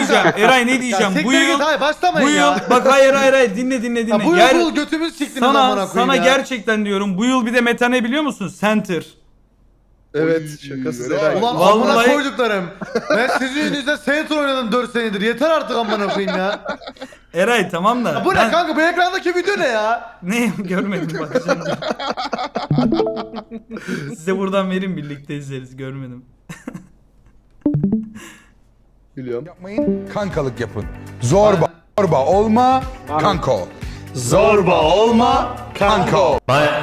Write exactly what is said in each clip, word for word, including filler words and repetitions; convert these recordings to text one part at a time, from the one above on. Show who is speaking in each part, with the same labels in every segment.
Speaker 1: diyeceğim. Eray ne diyeceğim?
Speaker 2: Ya
Speaker 1: Bu
Speaker 2: siktir
Speaker 1: yıl
Speaker 2: git, hayır başlamayın
Speaker 1: bu yıl
Speaker 2: ya.
Speaker 1: bak hayır hayır hayır dinle dinle dinle.
Speaker 2: Ya bu yıl
Speaker 1: Ger-
Speaker 2: bu yıl götümüz siktiniz
Speaker 1: sana
Speaker 2: amına koyayım
Speaker 1: sana
Speaker 2: ya.
Speaker 1: gerçekten diyorum. Bu yıl bir de meta ne biliyor musun? Center.
Speaker 3: Evet şakasız
Speaker 4: Oy,
Speaker 3: Eray.
Speaker 2: Ulan
Speaker 1: Vallahi-
Speaker 2: amına koyduklarım. Ben sizin yüzünüzden Saints oynadım dört senedir. Yeter artık amına koyayım ya.
Speaker 1: Eray tamam da.
Speaker 2: Ya bu
Speaker 1: ben-
Speaker 2: ne kanka, bu ekrandaki video ne ya?
Speaker 1: Ne görmedim bakacağım. Size buradan verin birlikte izleriz görmedim.
Speaker 3: Biliyorum.
Speaker 4: Yapmayın, kankalık yapın. Zorba, zorba olma, kanka ol.
Speaker 3: Zorba olma
Speaker 4: Kanka ol.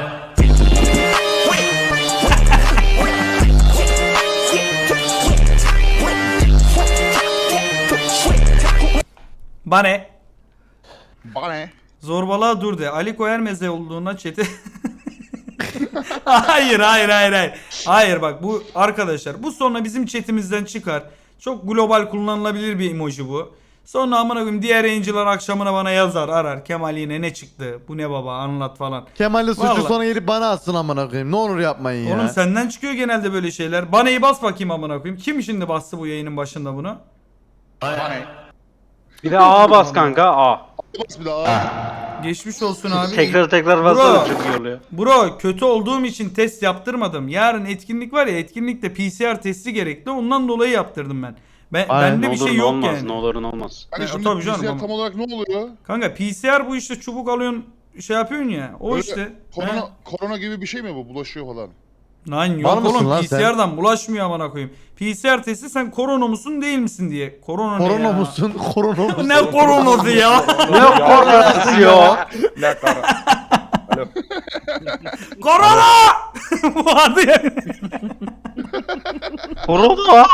Speaker 1: Bane.
Speaker 5: Bana ne?
Speaker 1: Zorbalığa dur de. Ali Koyer meze olduğuna çete. hayır hayır hayır hayır. Hayır bak bu arkadaşlar bu sonra bizim chatimizden çıkar. Çok global kullanılabilir bir emoji bu. Sonra amına koyayım diğer yayıncılar akşamına bana yazar arar. Kemal yine ne çıktı? Bu ne baba anlat falan.
Speaker 2: Kemal'le suçu
Speaker 1: Vallahi.
Speaker 2: sonra gelip bana atsın amına koyayım. Ne olur yapmayın ya.
Speaker 1: Oğlum senden çıkıyor genelde böyle şeyler. Baneyi bas bakayım amına koyayım. Kim şimdi bastı bu yayının başında bunu?
Speaker 5: Bana ne?
Speaker 6: Bir de A bas kanka A.
Speaker 5: Bas bir daha.
Speaker 1: Geçmiş olsun abi.
Speaker 6: Tekrar tekrar
Speaker 1: Bro.
Speaker 6: bassana çok iyi oluyor.
Speaker 1: Bro kötü olduğum için test yaptırmadım. Yarın etkinlik var ya etkinlikte P C R testi gerekli. Ondan dolayı yaptırdım ben. Ben
Speaker 2: Aynen,
Speaker 1: bende
Speaker 6: Ne
Speaker 1: bir
Speaker 6: olur
Speaker 1: şey
Speaker 6: ne
Speaker 1: yok
Speaker 6: olmaz
Speaker 1: yani.
Speaker 6: ne olur ne olmaz.
Speaker 5: Hani
Speaker 1: Ya,
Speaker 5: şimdi
Speaker 1: tabii canım
Speaker 5: bilgisayar
Speaker 1: ama.
Speaker 5: tam olarak ne oluyor?
Speaker 1: Kanka P C R bu işte çubuk alıyorsun şey yapıyorsun ya. O
Speaker 5: Böyle
Speaker 1: işte.
Speaker 5: Korona,
Speaker 1: He.
Speaker 5: korona gibi bir şey mi bu? Bulaşıyor falan.
Speaker 1: Lan
Speaker 2: Var
Speaker 1: yok
Speaker 2: mısın
Speaker 1: oğlum
Speaker 2: lan
Speaker 1: P
Speaker 2: sen?
Speaker 1: C R'dan bulaşmıyor amına koyayım. P C R testi sen korona musun değil misin diye. Korona, ne
Speaker 2: Korona
Speaker 1: ya?
Speaker 2: musun? Korona musun?
Speaker 1: Ne koronası ya?
Speaker 6: Ne korkası ya?
Speaker 3: Ne kara. Alo.
Speaker 1: Korona! Vardı ya.
Speaker 6: Korona.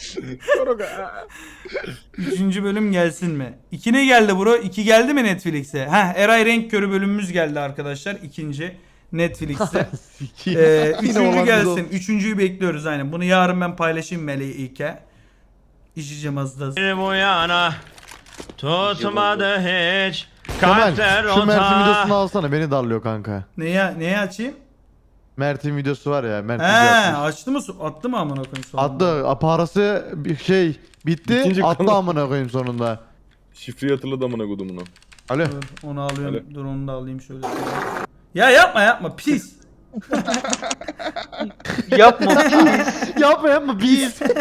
Speaker 1: Üçüncü bölüm gelsin mi? İki ne geldi bro? İki geldi mi Netflix'e? Heh Eray Renk Körü bölümümüz geldi arkadaşlar. İkinci Netflix'te. ee,
Speaker 2: Yine
Speaker 1: üçüncü
Speaker 2: olan
Speaker 1: gelsin.
Speaker 2: biz
Speaker 1: Üçüncüyü bekliyoruz aynen. Bunu yarın ben paylaşayım Melike. İşeceğim az da.
Speaker 7: Bu yana tutmadı hiç
Speaker 2: Kemal
Speaker 7: kalpler
Speaker 2: şu Mert'in videosunu
Speaker 7: ota.
Speaker 2: alsana, beni darlıyor kanka.
Speaker 1: Neye, neye açayım?
Speaker 2: Mert'in videosu var ya, Mert
Speaker 1: He
Speaker 2: video atmış.
Speaker 1: açtı mı? Attı mı amına koyayım sonunda?
Speaker 2: Attı, a- parası bir şey bitti,
Speaker 3: Bitince
Speaker 2: attı
Speaker 3: konu-
Speaker 2: amına koyayım sonunda.
Speaker 3: Şifreyi hatırladı amına kodumuna.
Speaker 2: Alo.
Speaker 1: Dur, onu alıyorum.
Speaker 3: Öyle.
Speaker 1: Dur onu da alayım şöyle. Ya yapma yapma pis.
Speaker 6: Yapma.
Speaker 2: yapma yapma biz.
Speaker 5: Salak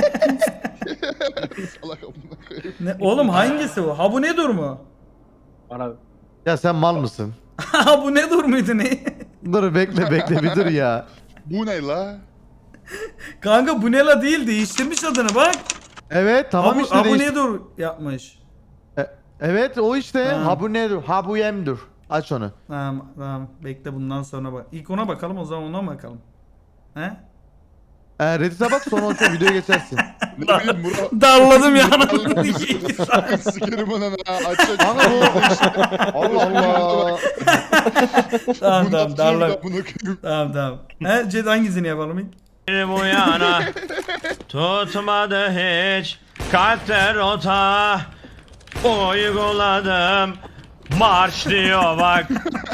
Speaker 5: amına koyayım.
Speaker 1: Ne, oğlum hangisi bu? Ha bu ne dur mu?
Speaker 6: Bana
Speaker 2: Ya sen mal mısın?
Speaker 1: Ha bu ne dur muydu ne?
Speaker 2: Dur bekle bekle bir dur ya.
Speaker 5: Bu ne la?
Speaker 1: Kanka bu ne la değil değiştirmiş adını bak.
Speaker 2: Evet tamam
Speaker 1: ha bu,
Speaker 2: işte
Speaker 1: ha bu
Speaker 2: değiş-
Speaker 1: ne dur yapmış.
Speaker 2: E- Evet o işte.
Speaker 1: Ha.
Speaker 2: Ha bu nedir? Ha bu yemdir. Aç onu.
Speaker 1: Tamam tamam bekle bundan sonra bak. İlk ona bakalım o zaman ona bakalım. He?
Speaker 2: E, Reddit'e bak sonra o videoya geçersin.
Speaker 5: Ne bileyim bura.
Speaker 1: Darladım ya.
Speaker 5: Sikerim ona ne? Aç aç.
Speaker 2: Kanka bu Allah Allah.
Speaker 1: tamam
Speaker 5: Bu
Speaker 1: tamam
Speaker 5: nasıl
Speaker 1: darla.
Speaker 5: amına koyayım?
Speaker 1: Tamam tamam. He Ced hangisini yapalım ilk?
Speaker 7: Bu yana tutmadı hiç kalpler ota. Uyguladım marş diyor bak.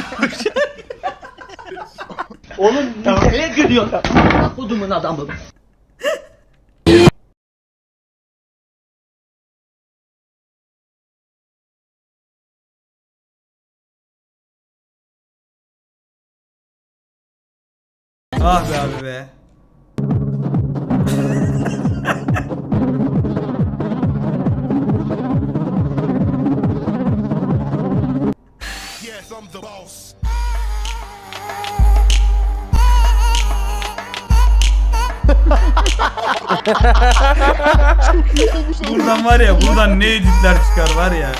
Speaker 8: Oğlum nereye gülüyorsun? Kodumun adamı.
Speaker 1: Ah be abi be.
Speaker 9: Yes, I'm the boss.
Speaker 1: Buradan var ya buradan ne editler çıkar var ya.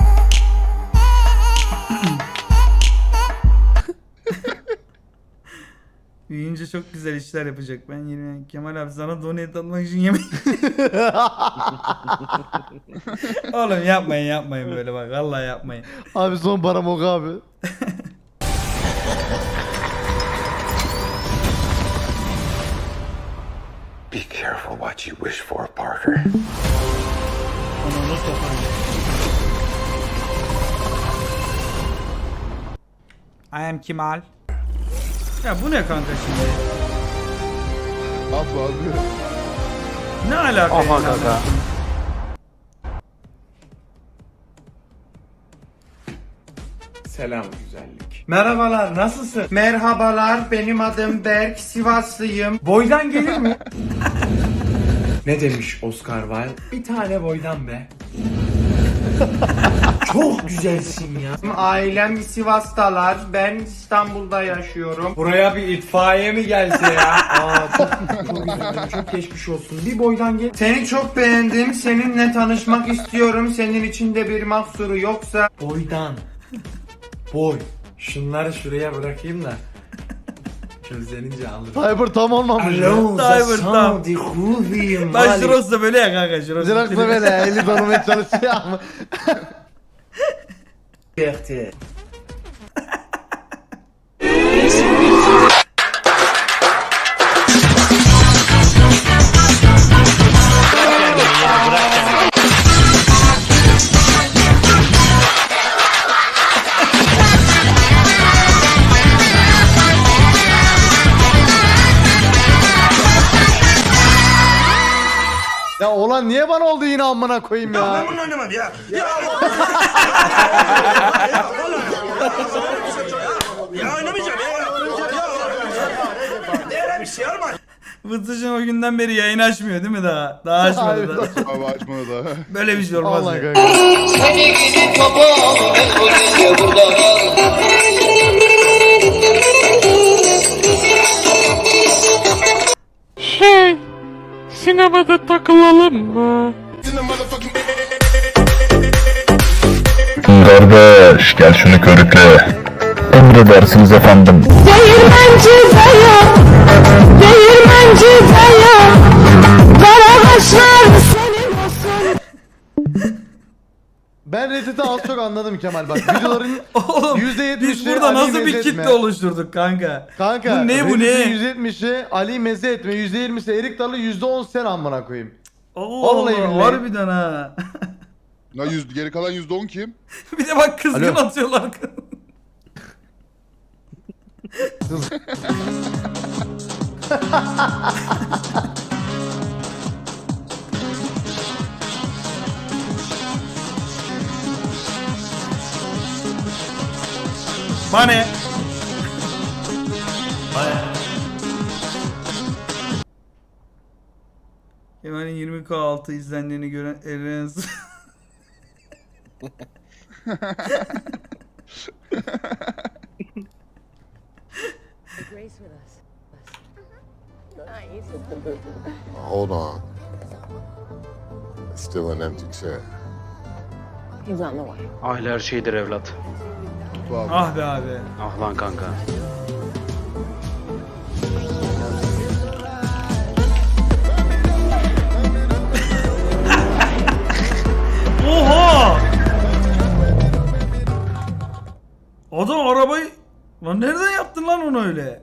Speaker 1: Büyüyünce çok güzel işler yapacak. Ben yine Kemal abi sana donate atmak için yemek. Oğlum yapmayın yapmayın böyle bak. Vallahi yapmayın.
Speaker 2: Abi son param o abi.
Speaker 9: Be careful what you wish for, Parker.
Speaker 1: Onu sokayım. I am Kemal. Ya bu ne kanka şimdi?
Speaker 5: At abi.
Speaker 1: Ne alaka?
Speaker 6: Aha
Speaker 1: yani?
Speaker 6: kanka.
Speaker 10: Selam güzellik. Merhabalar, nasılsın? Merhabalar, benim adım Berk, Sivaslıyım. Boydan gelir mi? Ne demiş Oscar Wilde? Bir tane boydan be. Çok güzelsin ya. Ailem Sivas'talar. Ben İstanbul'da yaşıyorum. Buraya bir itfaiye mi gelse ya? Aa, çok, çok üzüldüm. Çok geçmiş olsun. Bir boydan gel. Seni çok beğendim. Seninle tanışmak istiyorum. Senin içinde bir mahsuru yoksa boydan. Boy. Şunları şuraya bırakayım da. Közlenince alırım.
Speaker 2: Cyber tam olmamış ya.
Speaker 10: Alo,
Speaker 1: Cyber tam.
Speaker 10: zasam di huvim.
Speaker 1: Lan Jirox da böyle ya kanka Jirox.
Speaker 2: Jirox da böyle eli donmaya çalışıyor ama.
Speaker 10: Berti.
Speaker 2: Ya olan niye bana oldu yine amına koyayım ya?
Speaker 9: Ben bunu oynamadım ya. Ya Ya oynamayacağım ya. Ya bir şey olmaz.
Speaker 1: Vıtıcın o günden beri yayın açmıyor değil mi daha? Daha açmadı da.
Speaker 5: Abi açmadı da.
Speaker 1: Böyle bir şey olmaz
Speaker 2: Allah
Speaker 1: ya.
Speaker 2: kanka.
Speaker 7: Şey, sinemada takılalım mı?
Speaker 4: Kardeş gel şunu körükle. Emredersiniz efendim.
Speaker 11: Değirmenci dayı, değirmenci dayı, karabaşlar senin olsun.
Speaker 2: Ben Reddit'i az çok anladım Kemal bak. Videoların
Speaker 1: Oğlum
Speaker 2: yüzde yetmişi
Speaker 1: biz burada
Speaker 2: Ali
Speaker 1: nasıl bir
Speaker 2: meze
Speaker 1: kitle
Speaker 2: etme.
Speaker 1: oluşturduk kanka?
Speaker 2: Kanka
Speaker 1: Bu ne, bu ne?
Speaker 2: yüzde yetmişi Ali meze etme, yüzde yirmisi Erik Dalı, yüzde on sen amına koyayım.
Speaker 1: Allah
Speaker 2: Vallahi
Speaker 1: Allah
Speaker 2: billahi.
Speaker 1: harbiden ha.
Speaker 5: Ya yüz, geri kalan yüzde on kim?
Speaker 1: Bir de bak kızgın
Speaker 2: Alo.
Speaker 1: atıyorlar. Bana ne? Kemal'in yirmi K altı izlendiğini gören Eren
Speaker 5: Hold on. It's still an empty chair.
Speaker 11: He's on the way.
Speaker 6: Aile her şeydir evlat.
Speaker 1: Ah be abi.
Speaker 6: Ah lan kanka.
Speaker 1: Oha! Adam arabayı... Lan nereden yaptın lan onu öyle?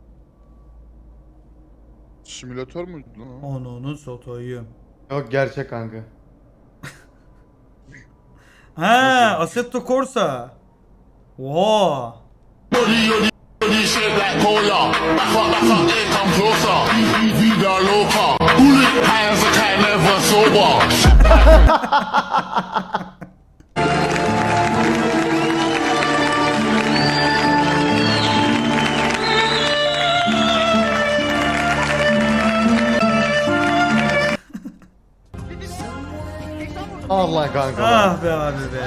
Speaker 5: Simülatör müydü lan? o?
Speaker 1: Onu satayım.
Speaker 2: Yok gerçek kanka.
Speaker 1: Ha, Assetto Corsa. Oha.
Speaker 2: Allah kanka.
Speaker 1: Ah be abi be.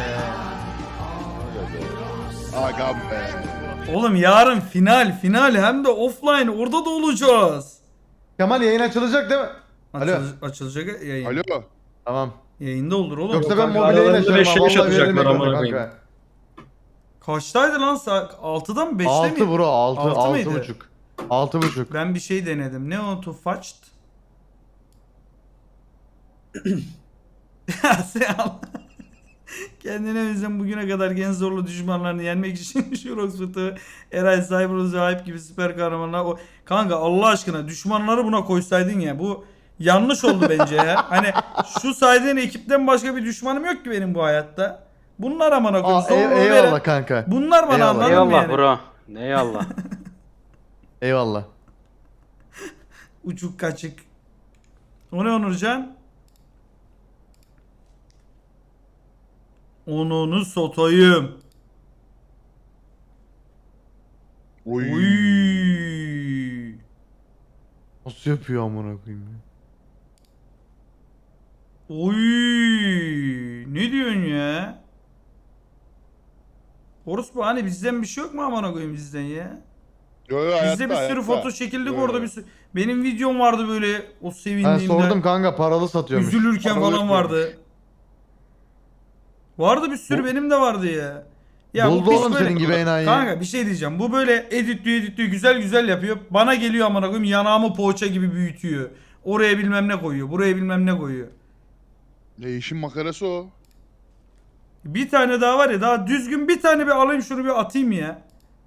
Speaker 5: Aga be.
Speaker 1: Oğlum yarın final, final hem de offline orada da olacağız.
Speaker 2: Kemal yayın açılacak değil mi? Alo.
Speaker 1: Açıl, açılacak yayın.
Speaker 5: Alo.
Speaker 2: Tamam.
Speaker 1: Yayında olur oğlum.
Speaker 2: Yoksa
Speaker 1: O
Speaker 2: ben
Speaker 1: kanka
Speaker 2: mobil yayın
Speaker 1: aralarında
Speaker 2: açarım
Speaker 1: beşe
Speaker 2: ha.
Speaker 1: beş
Speaker 2: Vallahi veririm
Speaker 1: atacaklar
Speaker 2: ekranı
Speaker 1: amına koyayım.
Speaker 2: kanka.
Speaker 1: Kaçtaydı lan saat? altıda mı beşte mi?
Speaker 2: altı bro altı.
Speaker 1: Altı
Speaker 2: altı
Speaker 1: mıydı?
Speaker 2: buçuk. altı buçuk.
Speaker 1: Ben bir şey denedim. Ne o? To fetched? Ya sen al. Kendine özlem bugüne kadar en zorlu düşmanlarını yenmek için Jurox Fıtı, Eray Cyberus ve Hype gibi süper kahramanlar. O... Kanka Allah aşkına düşmanları buna koysaydın ya. Bu yanlış oldu bence ya. Hani şu saydığın ekipten başka bir düşmanım yok ki benim bu hayatta. Bunlar amına koyayım.
Speaker 2: Aa,
Speaker 1: Sonra
Speaker 2: ey-
Speaker 1: o
Speaker 2: eyvallah
Speaker 1: veren-
Speaker 2: kanka.
Speaker 1: Bunlar bana
Speaker 2: Eyvallah.
Speaker 1: anladın mı
Speaker 6: Eyvallah
Speaker 1: yani?
Speaker 6: bro. Eyvallah.
Speaker 2: Eyvallah.
Speaker 1: Uçuk kaçık. O ne Onurcan? Onunu satayım.
Speaker 2: Oy.
Speaker 1: Oy.
Speaker 2: Nasıl yapıyor amına koyayım ya?
Speaker 1: Oy. Ne diyorsun ya? Orospu hani bizden bir şey yok mu amına koyayım bizden ya?
Speaker 5: Yo yo hayatta
Speaker 1: Bizde bir sürü
Speaker 5: hayatta.
Speaker 1: foto çekildik
Speaker 5: Yo,
Speaker 1: orada
Speaker 5: yo.
Speaker 1: bir sürü. Benim videom vardı böyle o
Speaker 2: Ben
Speaker 1: sevindiğimde.
Speaker 2: sordum kanka paralı satıyormuş.
Speaker 1: Üzülürken
Speaker 5: Paralı
Speaker 1: falan
Speaker 5: yapıyormuş.
Speaker 1: vardı. Vardı bir sürü benim de vardı ya. Ya bu
Speaker 2: Buldu
Speaker 1: piç
Speaker 2: oğlum
Speaker 1: böyle-
Speaker 2: senin gibi enayi.
Speaker 1: Kanka bir şey diyeceğim. Bu böyle editliyor editliyor güzel güzel yapıyor. Bana geliyor amına koyayım yanağımı poğaça gibi büyütüyor. Oraya bilmem ne koyuyor. Buraya bilmem ne koyuyor.
Speaker 5: Ya işin makarası o.
Speaker 1: Bir tane daha var ya daha düzgün bir tane bir alayım şunu bir atayım ya.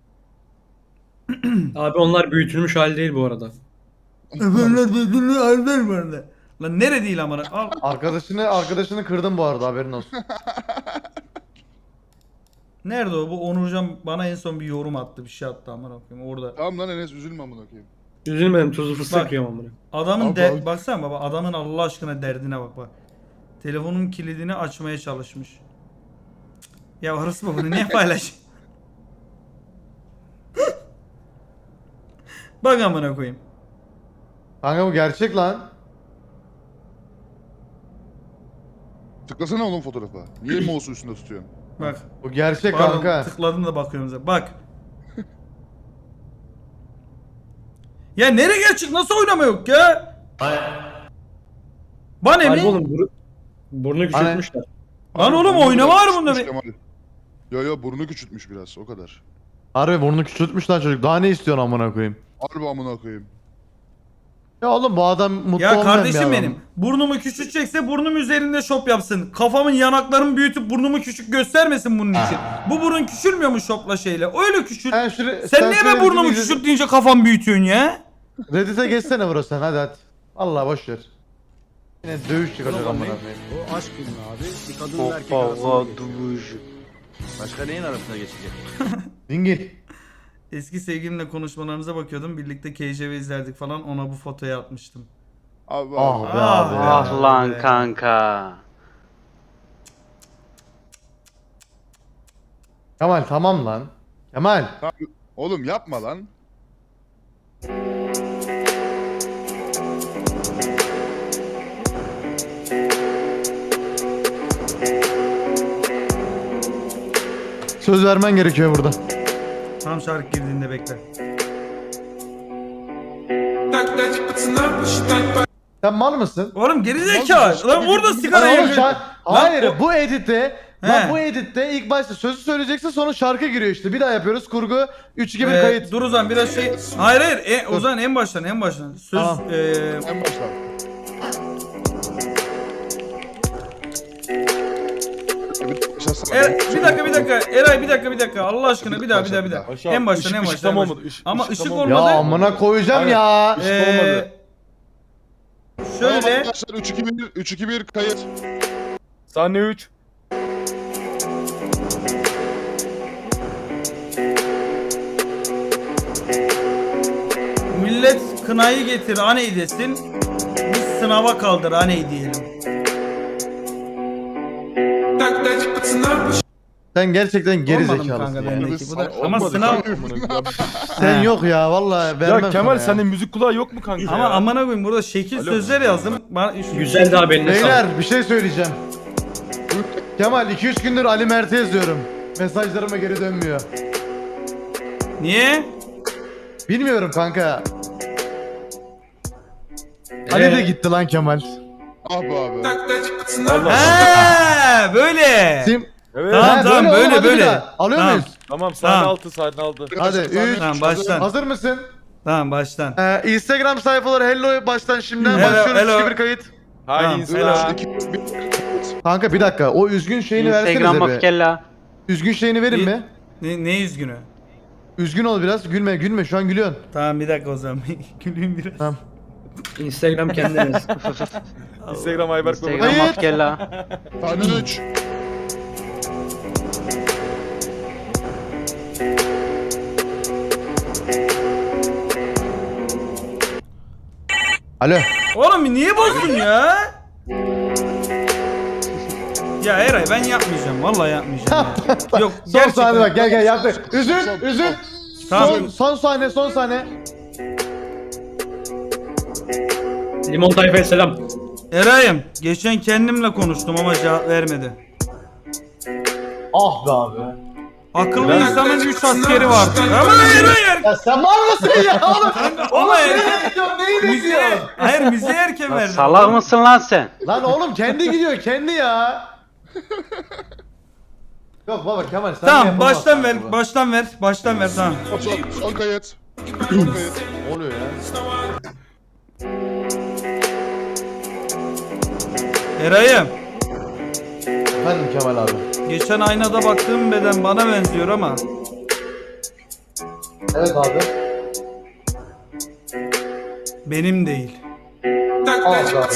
Speaker 8: Abi onlar büyütülmüş hal değil bu arada.
Speaker 1: Efendim düzgünlüğü alver bu arada. Lan nere değil amına. Al.
Speaker 2: Arkadaşını arkadaşını kırdım bu arada haberin olsun.
Speaker 1: Nerede o? Bu Onurcan bana en son bir yorum attı. Bir şey attı amına koyayım orada.
Speaker 5: Tamam lan Enes üzülme amına koyayım.
Speaker 8: Üzülmedim tuzlu fıstık
Speaker 1: Bak.
Speaker 8: yiyorum amına.
Speaker 1: Adamın
Speaker 5: Abi,
Speaker 1: de
Speaker 5: abi.
Speaker 1: baksana baba adamın Allah aşkına derdine bak bak. Telefonun kilidini açmaya çalışmış. Cık. Ya orası mı bunu niye paylaş? Bak amına koyayım.
Speaker 2: Kanka bu gerçek lan.
Speaker 5: Tıklasana oğlum fotoğrafa. Niye mouse'u üstünde tutuyorsun?
Speaker 1: Bak.
Speaker 2: Bu gerçek
Speaker 1: Pardon,
Speaker 2: kanka.
Speaker 1: tıkladım da bakıyorum zaten. Bak. Ya nereye gerçek? Nasıl oynama yok ya? Bana
Speaker 8: Harbi
Speaker 1: mi?
Speaker 8: oğlum bur burnu küçültmüşler.
Speaker 1: Lan oğlum
Speaker 5: Burnu
Speaker 1: oynama
Speaker 5: biraz
Speaker 1: var bunda
Speaker 5: küçültmüş
Speaker 1: bir.
Speaker 5: Kemal. Yo yo burnu küçültmüş biraz o kadar.
Speaker 2: Harbi burnunu küçültmüş lan çocuk. Daha ne istiyorsun amına koyayım?
Speaker 5: Harbi amına koyayım.
Speaker 2: Ya oğlum bu adam mutlu
Speaker 1: Ya
Speaker 2: olmayan bir
Speaker 1: kardeşim
Speaker 2: adam.
Speaker 1: benim. Burnumu küçültecekse burnum üzerinde şop yapsın. Kafamın yanaklarımı büyütüp burnumu küçük göstermesin bunun için. Bu burun küçülmüyor mu şopla şeyle? Öyle küçült.
Speaker 2: Sen, şuraya,
Speaker 1: Sen niye ben
Speaker 2: şöyle
Speaker 1: burnumu
Speaker 2: bir-
Speaker 1: küçült deyince kafamı büyütüyorsun ya?
Speaker 2: Reddit'e geçsene bro sen hadi hadi. Allah boş ver. Yine dövüş çıkacak amına koyayım.
Speaker 9: O aşk filmi abi. Bir kadın ve erkek
Speaker 6: Hoppa
Speaker 9: arasında
Speaker 6: va
Speaker 9: geçiyor.
Speaker 6: duvuj.
Speaker 9: Başka neyin arasında geçecek?
Speaker 2: Dingil.
Speaker 1: Eski sevgilimle konuşmalarımıza bakıyordum. Birlikte K J V izlerdik falan. Ona bu fotoyu atmıştım.
Speaker 5: Abi
Speaker 2: Ah
Speaker 5: abi.
Speaker 2: be
Speaker 1: Ah
Speaker 2: abi
Speaker 1: be.
Speaker 2: ya.
Speaker 6: Ah lan
Speaker 1: be.
Speaker 6: kanka.
Speaker 2: Kemal tamam lan. Kemal.
Speaker 5: Oğlum yapma lan.
Speaker 2: Söz vermen gerekiyor burada.
Speaker 1: Tam şarkı girdiğinde bekle.
Speaker 2: Sen mal mısın?
Speaker 1: Oğlum gerizekalı. Lan orada sigara
Speaker 2: Lan oğlum
Speaker 1: yakıyor.
Speaker 2: şar- Hayır
Speaker 1: o-
Speaker 2: bu editte
Speaker 1: He.
Speaker 2: Lan bu editte ilk başta sözü söyleyeceksin sonra şarkı giriyor işte. Bir daha yapıyoruz kurgu üç iki bir
Speaker 1: Ee,
Speaker 2: kayıt.
Speaker 1: dur o zaman biraz şey. Hayır hayır. E, o zaman en baştan en baştan. Söz
Speaker 2: Tamam.
Speaker 1: e,
Speaker 5: En baştan. Bir başlasana.
Speaker 1: Er, bir dakika bir dakika Eray bir dakika bir dakika Allah aşkına bir daha bir daha bir daha
Speaker 3: Aşağı,
Speaker 1: en baştan
Speaker 3: ışık-
Speaker 1: en
Speaker 3: ışık
Speaker 1: baştan en
Speaker 3: tam
Speaker 1: baştan.
Speaker 3: olmadı, ışık-
Speaker 1: Ama
Speaker 3: ışık
Speaker 1: ışık
Speaker 3: tam
Speaker 1: olmadı.
Speaker 3: olmadı.
Speaker 2: Ya amına koyacağım
Speaker 3: Aynen.
Speaker 2: ya.
Speaker 3: Işık
Speaker 1: Ee,
Speaker 3: olmadı.
Speaker 5: Tamam
Speaker 1: Şöyle
Speaker 5: arkadaşlar üç iki bir üç iki bir kayıt.
Speaker 3: Sahne üç.
Speaker 1: millet kınayı getir aney desin. Biz sınava kaldır aney diyelim.
Speaker 2: Sen gerçekten geri
Speaker 1: Olmadı mı
Speaker 2: zekalısın
Speaker 1: kanka
Speaker 2: ya.
Speaker 1: bendeki bu da
Speaker 5: Olmadı
Speaker 1: ama
Speaker 3: Olmadı
Speaker 1: sınav
Speaker 3: kanka, amına koyayım.
Speaker 2: Sen
Speaker 1: He.
Speaker 2: yok ya vallahi vermem
Speaker 3: Ya Kemal
Speaker 2: sana
Speaker 3: senin müzik kulağı yok mu kanka
Speaker 1: ama
Speaker 3: ya?
Speaker 1: amına koyayım burada şekil
Speaker 3: Alo.
Speaker 1: sözler yazdım. Bana
Speaker 8: Güzel daha benim.
Speaker 2: Beyler bir şey söyleyeceğim. Kemal iki üç gündür Ali Mert'e yazıyorum. Mesajlarıma geri dönmüyor.
Speaker 1: Niye?
Speaker 2: Bilmiyorum kanka. Ali
Speaker 1: Ee?
Speaker 2: de gitti lan Kemal.
Speaker 5: Ah be abi.
Speaker 3: Allah.
Speaker 1: He böyle.
Speaker 2: Sim.
Speaker 3: Evet.
Speaker 1: Tamam,
Speaker 2: He,
Speaker 1: tamam,
Speaker 2: oğlum,
Speaker 1: böyle,
Speaker 2: hadi bir
Speaker 1: böyle.
Speaker 2: daha. Alıyor
Speaker 1: Tamam.
Speaker 2: muyuz?
Speaker 3: Tamam sahne
Speaker 1: Tamam.
Speaker 3: altı sahne altı.
Speaker 2: Hadi üç.
Speaker 1: Tamam baştan.
Speaker 2: Hazır mısın?
Speaker 1: Tamam baştan.
Speaker 2: Ee, Instagram sayfaları hello baştan şimdiden
Speaker 1: Hello,
Speaker 2: başlıyoruz.
Speaker 1: hello.
Speaker 2: iki bir kayıt.
Speaker 3: Hay
Speaker 1: Tamam,
Speaker 3: insan.
Speaker 5: üç iki bir
Speaker 2: Kanka bir dakika o üzgün şeyini
Speaker 6: Instagram
Speaker 2: versenize be.
Speaker 6: mafkella.
Speaker 2: Üzgün şeyini verin
Speaker 1: Bir-
Speaker 2: mi?
Speaker 1: Ne, ne üzgünü?
Speaker 2: Üzgün ol biraz. Gülme gülme şu an gülüyorsun.
Speaker 1: Tamam bir dakika o zaman. Güleyim biraz.
Speaker 2: Tamam.
Speaker 8: Instagram kendiniz.
Speaker 3: Instagram Ayberk Baba.
Speaker 6: Instagram
Speaker 2: Hayır.
Speaker 6: mafkella.
Speaker 5: Sahne üç.
Speaker 2: Alo.
Speaker 1: Oğlum niye bozdun ya? Ya Eray ben yapmayacağım. Vallahi yapmayacağım. ya. Yok
Speaker 2: Son
Speaker 1: gerçekten.
Speaker 2: saniye bak gel gel yaptı. Üzül üzül.
Speaker 1: Tamam.
Speaker 2: Son, son sahne son sahne.
Speaker 8: Limon tayfaya selam.
Speaker 1: Eray'ım geçen kendimle konuştum ama cevap vermedi.
Speaker 2: Ah be abi.
Speaker 1: Akıllı insanın üç askeri vardı. Ama Eray
Speaker 2: Ya sen var mısın ya oğlum?
Speaker 1: ama
Speaker 2: Nereye gidiyorsun? Neyi
Speaker 1: müziğe,
Speaker 2: bekliyorsun?
Speaker 1: hayır müziğe erken
Speaker 6: Lan
Speaker 1: verdi.
Speaker 6: salak mısın lan sen?
Speaker 2: Lan oğlum kendi gidiyor kendi ya. Yok baba Kemal sen
Speaker 1: Tamam
Speaker 2: yapamazsın
Speaker 1: baştan ver,
Speaker 2: bunu.
Speaker 1: baştan ver, baştan ver tamam.
Speaker 5: Son, son kayıt. Son kayıt.
Speaker 2: Ne oluyor ya?
Speaker 1: Eray'ım
Speaker 2: Efendim Kemal abi.
Speaker 1: geçen aynada baktığım beden bana benziyor ama
Speaker 2: Evet abi.
Speaker 1: benim değil.
Speaker 2: Ah be abi.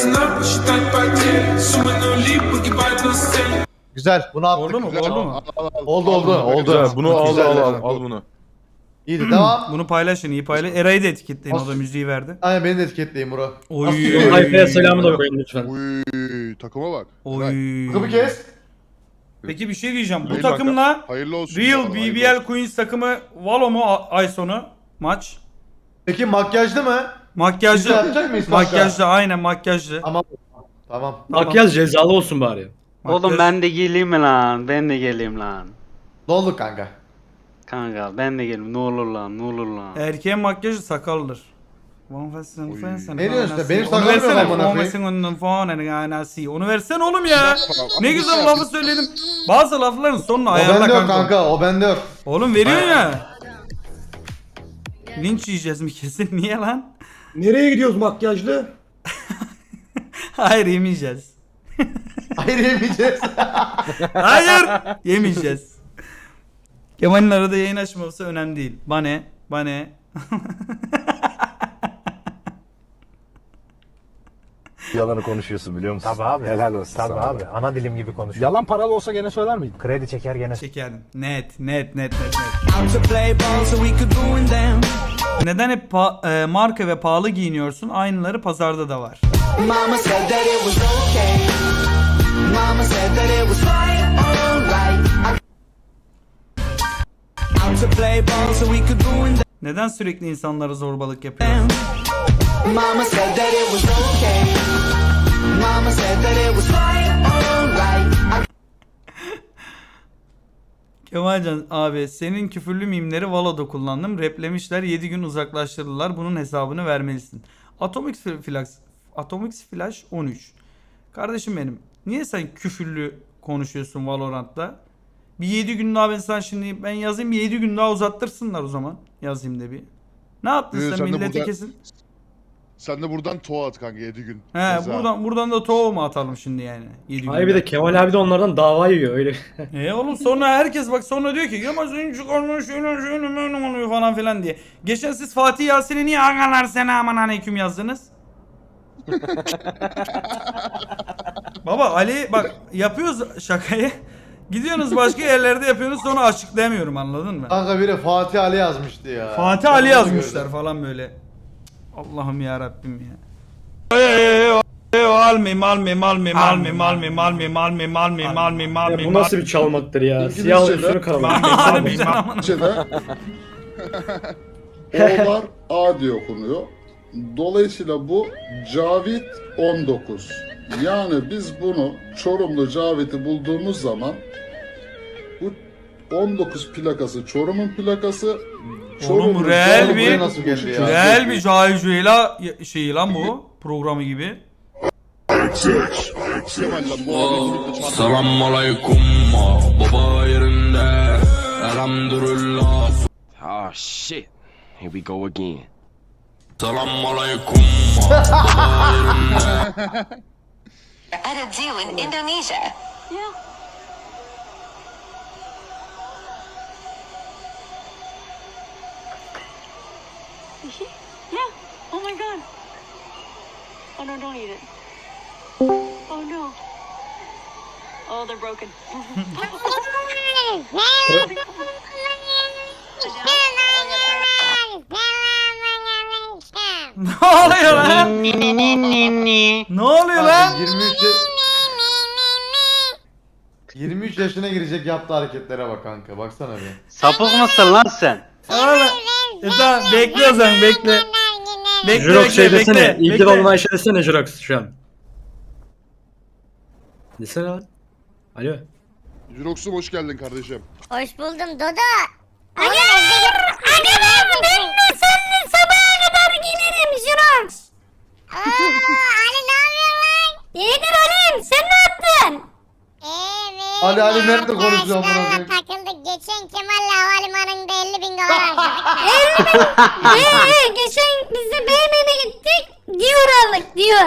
Speaker 2: Güzel bunu attık.
Speaker 1: Oldu mu? Oldu mu?
Speaker 5: Al, al, al.
Speaker 2: Oldu oldu oldu.
Speaker 3: Güzel, bunu al
Speaker 2: Güzel.
Speaker 3: al al al bunu.
Speaker 2: İyiydi devam.
Speaker 1: Bunu paylaşın, iyi paylaş. Eray'ı da etiketleyin, o da müziği verdi.
Speaker 2: Aynen beni de etiketleyin bro.
Speaker 1: Oy.
Speaker 8: Limon tayfaya selamı da koyun lütfen.
Speaker 5: Uy, takıma bak.
Speaker 1: Oy.
Speaker 2: Kıbı kes.
Speaker 1: Peki bir şey diyeceğim. Bu
Speaker 5: Hayır
Speaker 1: takımla
Speaker 5: Hayırlı olsun.
Speaker 1: Real
Speaker 5: Hayırlı
Speaker 1: B B
Speaker 5: olsun.
Speaker 1: L Queens takımı Valo mu a- ay sonu maç?
Speaker 2: Peki makyajlı mı? Biz de
Speaker 1: Makyajlı.
Speaker 2: yapacak mıyız kanka?
Speaker 1: Makyajlı aynen makyajlı.
Speaker 2: Tamam. Tamam.
Speaker 8: Makyaj cezalı olsun bari.
Speaker 6: Oğlum
Speaker 1: Makyaj-
Speaker 6: ben de geleyim mi lan? Ben de geleyim lan.
Speaker 2: Ne oldu kanka?
Speaker 6: Kanka ben de geleyim. Ne olur lan, ne olur lan.
Speaker 1: Erkeğin makyajı sakaldır. Ne
Speaker 2: Ne diyorsun işte? Benim
Speaker 1: Onu
Speaker 2: sakalım yok
Speaker 1: versene.
Speaker 2: amına
Speaker 1: Onu
Speaker 2: koyayım.
Speaker 1: versene. Onun falan anası. Onu versene oğlum ya. Ne
Speaker 5: Ama
Speaker 1: güzel
Speaker 5: bir
Speaker 1: lafı söyledim. Bazı lafların sonunu
Speaker 2: O
Speaker 1: ayarla
Speaker 2: bende yok
Speaker 1: kanka.
Speaker 2: kanka o bende yok.
Speaker 1: Oğlum veriyorsun ya. Linç yiyeceğiz mi kesin? Niye lan?
Speaker 8: Nereye gidiyoruz makyajlı?
Speaker 1: Hayır yemeyeceğiz.
Speaker 2: Hayır yemeyeceğiz.
Speaker 1: Hayır yemeyeceğiz. Kemal'in arada yayın açmaması önemli değil. Bane, bane.
Speaker 9: Yalanı konuşuyorsun biliyor musun?
Speaker 12: Tabii abi.
Speaker 9: Helal olsun.
Speaker 12: Tabii
Speaker 9: sana.
Speaker 12: abi. Ana dilim gibi konuşuyor.
Speaker 9: Yalan paralı olsa gene söyler miydin?
Speaker 12: Kredi çeker gene.
Speaker 1: Çekerdim. Net, net, net, net, net. Neden hep pa- e, marka ve pahalı giyiniyorsun? Aynıları pazarda da var.
Speaker 11: Mama said that it was okay. Mama said that it was right, alright. Out to play ball so we could ruin them.
Speaker 1: Neden sürekli insanlara zorbalık yapıyorsun?
Speaker 11: Mama said that it was okay. Mama said that it was right, alright.
Speaker 1: Kemalcan abi senin küfürlü mimleri Valo'da kullandım. Replemişler yedi gün uzaklaştırdılar. Bunun hesabını vermelisin. Atomic Flash Atomic Flash on üç. Kardeşim benim. Niye sen küfürlü konuşuyorsun Valorant'ta? Bir yedi gün daha ben sana şimdi ben yazayım bir yedi gün daha uzattırsınlar o zaman. Yazayım da bir. Ne yaptın
Speaker 5: Ee,
Speaker 1: sen
Speaker 5: sen de
Speaker 1: milleti
Speaker 5: burada-
Speaker 1: kesin?
Speaker 5: Sen de buradan toğa at kanka yedi gün.
Speaker 1: He
Speaker 5: Ceza.
Speaker 1: buradan buradan da tohum mu atalım şimdi yani? yedi
Speaker 8: Hayır bir de Kemal abi de onlardan dava yiyor öyle.
Speaker 1: E oğlum sonra herkes bak sonra diyor ki Kemal senin çıkarmış şöyle şöyle böyle oluyor falan filan diye. Geçen siz Fatih Yasin'i niye agalar sena aman aleyküm yazdınız? Baba Ali bak yapıyoruz şakayı. Gidiyorsunuz başka yerlerde yapıyorsunuz sonra açıklayamıyorum anladın mı?
Speaker 2: Kanka biri Fatih Ali yazmıştı ya.
Speaker 1: Fatih
Speaker 2: Ben
Speaker 1: Ali
Speaker 2: onu
Speaker 1: yazmışlar
Speaker 2: gördüm.
Speaker 1: falan böyle. Allah'ım ya Rabbim ya. Malmi malmi malmi malmi malmi malmi malmi malmi malmi
Speaker 8: Ya
Speaker 1: malmi
Speaker 8: bu nasıl bir çalmaktır ya?
Speaker 5: İngilizce
Speaker 8: Siyah
Speaker 5: de-
Speaker 8: üstünü karalamak.
Speaker 1: Harbiden amına.
Speaker 5: Türkçe'de O'lar A diye okunuyor. Dolayısıyla bu Cavit on dokuz. Yani biz bunu Çorumlu Cavit'i bulduğumuz zaman bu on dokuz plakası Çorum'un plakası.
Speaker 1: Oğlum real
Speaker 2: Buraya
Speaker 1: bir
Speaker 2: nasıl geldi ya?
Speaker 1: real bir Cahil Cüeyla şeyi lan bu programı gibi.
Speaker 7: Selamun aleyküm baba yerinde elhamdülillah.
Speaker 9: Oh shit. Here we go again.
Speaker 7: Selamun aleyküm baba yerinde.
Speaker 11: At a zoo in Indonesia. Yeah. Yeah. Oh my god. Oh no, don't eat it. Oh no. Oh, they're broken.
Speaker 1: Ne oluyor lan? Ne oluyor lan?
Speaker 2: Kanka yirmi üç ya- yirmi üç yaşına girecek yaptığı hareketlere bak kanka baksana bir.
Speaker 6: Sapık mısın lan sen?
Speaker 1: Oğlum. E tamam bekle o zaman bekle. Bekle
Speaker 8: Jirox
Speaker 1: bekle
Speaker 8: şey desene.
Speaker 1: bekle.
Speaker 8: İlgi
Speaker 1: bekle.
Speaker 8: olan Ayşe desene Jirox şu an. Desene lan. Alo.
Speaker 5: Jurox'um hoş geldin kardeşim.
Speaker 11: Hoş buldum Dodo. Hayır! Hayır! Ben de seninle sabaha kadar gelirim Jirox. Aaa Ali ne yapıyorsun lan? İyidir Ali'm sen ne yaptın? Evet.
Speaker 2: Ali Ali nerede konuşuyor amına koyayım?
Speaker 11: Takıldık geçen Kemal'le havalimanında elli bin dolar harcadık. elli bin? Eee geçen biz de B M W'ye gittik. Diyor aldık diyor.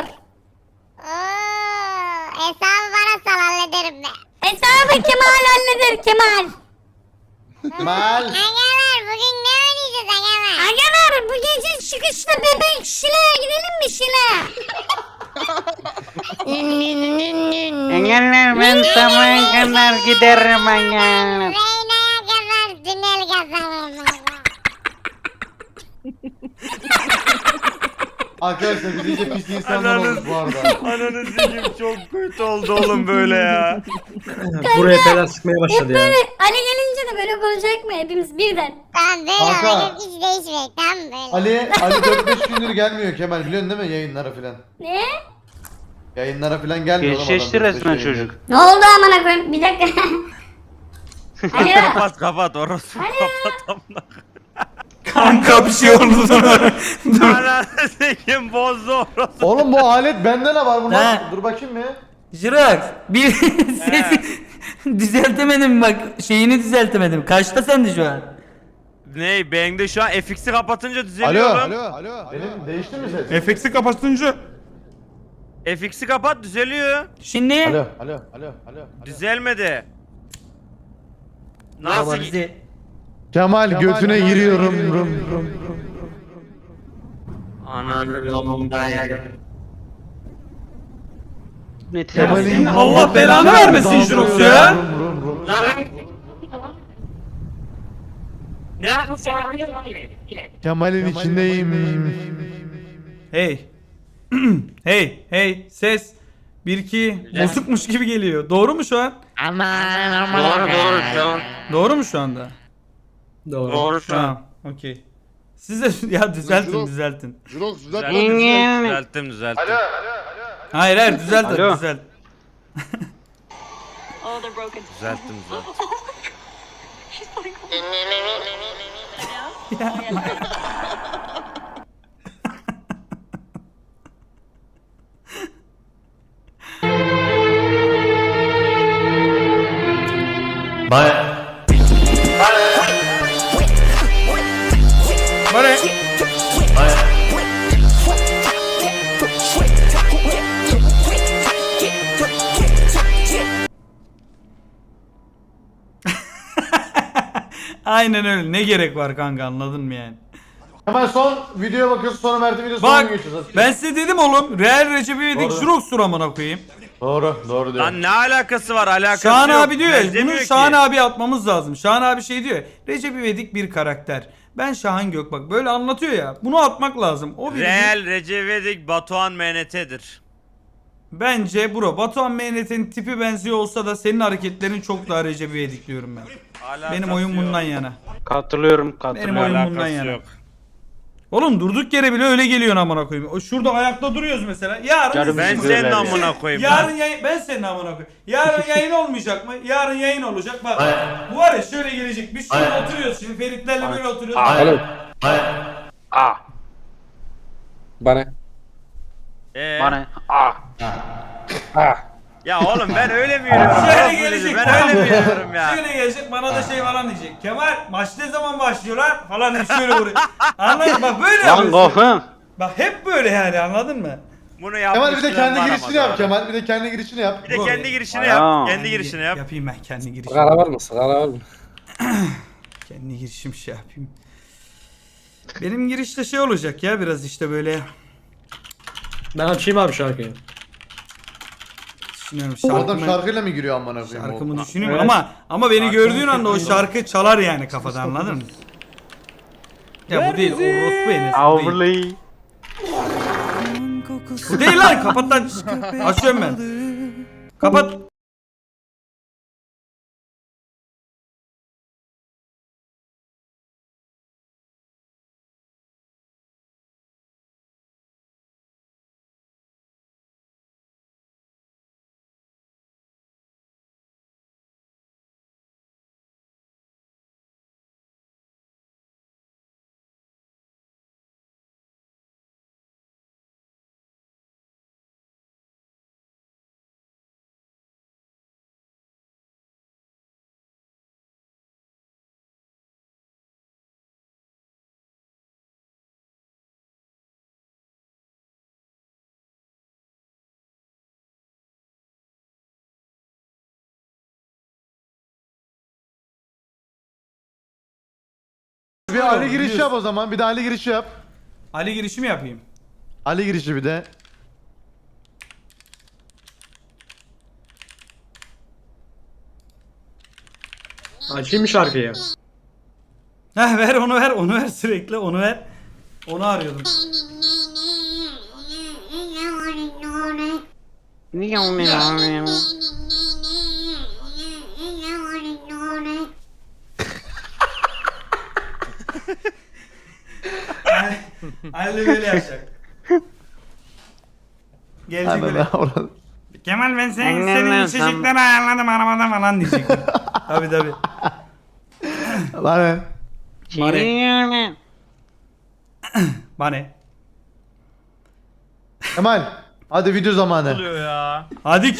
Speaker 11: Ooo hesabı bana sal hallederim ben. Hesabı Kemal halleder Kemal.
Speaker 2: Mal.
Speaker 11: Agalar bugün ne oynayacağız agalar? Agalar bu gece çıkışta bebek Şile'ye gidelim mi Şile?
Speaker 6: Engeller ben sabaha kadar giderim engeller.
Speaker 11: Reyna'ya kadar tünel kazanırım.
Speaker 2: Arkadaşlar biz iyice pis insanlar olduk bu arada.
Speaker 3: Ananı sikeyim çok kötü oldu oğlum böyle ya.
Speaker 8: Buraya falan sıkmaya başladı ya.
Speaker 11: Ali gelince de böyle konuşacak mı hepimiz birden? Tamam böyle
Speaker 2: Kanka.
Speaker 11: oynayıp hiç değişmeyecek tamam böyle.
Speaker 2: Ali Ali dört beş gündür gelmiyor Kemal biliyorsun değil mi yayınlara filan?
Speaker 11: Ne?
Speaker 2: Yayınlara filan gelmiyor. oğlum
Speaker 6: Geçişti
Speaker 2: adam dört beş
Speaker 6: resmen
Speaker 2: yayın.
Speaker 6: çocuk.
Speaker 11: Ne oldu amına koyayım bir dakika. Alo.
Speaker 3: Kapat kapat orası kapat amına.
Speaker 1: Kanka bir şey oldu sana.
Speaker 3: Ananı sikeyim bozdu orası.
Speaker 2: Oğlum bu alet bende ne var bunda?
Speaker 1: He.
Speaker 2: Dur bakayım bir.
Speaker 1: Jirox bir sesi düzeltemedim bak şeyini düzeltemedim. Kaçta sende şu an?
Speaker 3: Ney bende şu an F X'i kapatınca
Speaker 2: Alo.
Speaker 3: düzeliyor
Speaker 2: Alo.
Speaker 3: oğlum.
Speaker 2: Alo. Benim değişti mi ses?
Speaker 1: F X'i kapatınca.
Speaker 3: F X'i kapat düzeliyor.
Speaker 1: Şimdi
Speaker 2: Alo. Alo. Alo. Alo. alo.
Speaker 3: Düzelmedi.
Speaker 1: Baba
Speaker 3: Nasıl?
Speaker 1: bizi
Speaker 2: Kemal götüne giriyorum. Rum, rum.
Speaker 6: Ne
Speaker 2: Kemal'in
Speaker 1: Allah belanı vermesin Jirox ya.
Speaker 2: Rum, rum, rum. Kemal'in içindeyim.
Speaker 1: Hey. hey hey ses. Bir iki bozukmuş gibi geliyor. Doğru mu şu an?
Speaker 6: Doğru doğru şu an.
Speaker 1: Doğru mu şu anda?
Speaker 8: Doğru.
Speaker 6: Doğru şu an.
Speaker 1: Tamam. Okey. Siz de ya düzeltin düzeltin.
Speaker 5: Jurox düzelt.
Speaker 3: Düzelttim düzelttim.
Speaker 1: Hayır hayır düzelt
Speaker 6: Alo.
Speaker 1: düzelt.
Speaker 11: Oh they're broken.
Speaker 3: Düzelttim düzelttim.
Speaker 11: She's like
Speaker 1: Bana. Aynen öyle. Ne gerek var kanka anladın mı yani?
Speaker 2: Hemen son videoya bakıyorsun sonra Mert'in videosu
Speaker 1: Bak
Speaker 2: sonuna geçiyoruz.
Speaker 1: ben size dedim oğlum. Real Recep İvedik
Speaker 2: Doğru.
Speaker 1: Jirox amına koyayım.
Speaker 2: Doğru. Doğru diyor.
Speaker 3: Lan ne alakası var alakası
Speaker 1: Şahan
Speaker 3: yok.
Speaker 1: abi diyor ya.
Speaker 3: Benzemiyor
Speaker 1: Bunu
Speaker 3: ki.
Speaker 1: Şahan abi atmamız lazım. Şahan abi şey diyor ya. Recep İvedik bir karakter. Ben Şahan Gökbak böyle anlatıyor ya. Bunu atmak lazım. O video
Speaker 3: Real Recep İvedik Batuhan M N T'dir.
Speaker 1: bence bro. Batuhan Mehnet'in tipi benziyor olsa da senin hareketlerin çok daha Recep İvedik diyorum ben.
Speaker 3: Alakası
Speaker 1: Benim oyun
Speaker 3: yok.
Speaker 1: bundan yana.
Speaker 6: Katılıyorum
Speaker 1: Benim
Speaker 6: katılıyorum.
Speaker 1: oyun
Speaker 3: Alakası
Speaker 1: bundan yana.
Speaker 3: yok.
Speaker 1: Oğlum durduk yere bile öyle geliyorsun amına koyayım. O şurada ayakta duruyoruz mesela. Yarın
Speaker 6: Canım
Speaker 3: Ben
Speaker 6: Bizim
Speaker 3: senin
Speaker 6: böyle
Speaker 3: amına koyayım.
Speaker 1: Yarın yayın ben senin amına koyayım. Yarın yayın olmayacak mı? Yarın yayın olacak. Bak bu var ya şöyle gelecek. Biz şöyle oturuyoruz şimdi Feritlerle böyle oturuyoruz.
Speaker 8: Alo.
Speaker 6: Aa.
Speaker 8: Bana.
Speaker 3: Ee,
Speaker 6: Bana. Aa.
Speaker 3: Ya oğlum ben öyle mi yürüyorum?
Speaker 1: Şöyle
Speaker 3: Bak
Speaker 1: gelecek.
Speaker 3: Ben öyle mi yürüyorum ya?
Speaker 1: Şöyle gelecek bana da şey falan diyecek. Kemal maç ne zaman başlıyorlar falan hep şöyle vuruyor. Anladın mı? Bak böyle
Speaker 6: Lan
Speaker 1: yapıyorsun.
Speaker 6: kofum.
Speaker 1: Bak hep böyle yani anladın mı?
Speaker 3: Bunu yapmışlar.
Speaker 2: Kemal bir de kendi girişini yap Kemal. Bir de kendi girişini yap.
Speaker 3: Bir de kendi girişini
Speaker 6: Aa.
Speaker 3: yap. Kendi girişini yap.
Speaker 1: Yapayım ben kendi girişimi.
Speaker 8: Sigara var mı? Sigara var mı?
Speaker 1: Kendi girişim şey yapayım. Benim girişte şey olacak ya biraz işte böyle
Speaker 8: Ben açayım abi şarkıyı.
Speaker 1: düşünüyorum
Speaker 2: Bu adam
Speaker 1: şarkımı,
Speaker 2: şarkıyla mı giriyor amına koyayım?
Speaker 1: şarkımı düşünüyorum ama ama beni gördüğün anda o şarkı çalar yani kafada anladın mı? Ya bu değil o orospu Enes bu değil.
Speaker 6: Overlay.
Speaker 1: Bu değil lan kapat lan. Açıyorum ben. Kapat.
Speaker 2: bir
Speaker 1: böyle
Speaker 2: Ali
Speaker 1: olur,
Speaker 2: girişi
Speaker 1: biliyorsun.
Speaker 2: yap o zaman. Bir de Ali girişi yap.
Speaker 1: Ali girişi mi yapayım?
Speaker 2: Ali girişi bir de.
Speaker 8: Açayım mı şarkıyı?
Speaker 1: Heh ver onu ver onu ver sürekli onu ver. Onu arıyordum. Ali böyle yapacak. Gelecek böyle.
Speaker 2: Orada.
Speaker 1: Kemal ben sen, senin içecekleri ayarladım arabada falan diyecek. Tabi tabi.
Speaker 2: Lan.
Speaker 1: Bana. Bana.
Speaker 2: Kemal. Hadi video zamanı.
Speaker 3: Oluyor ya.
Speaker 1: Hadi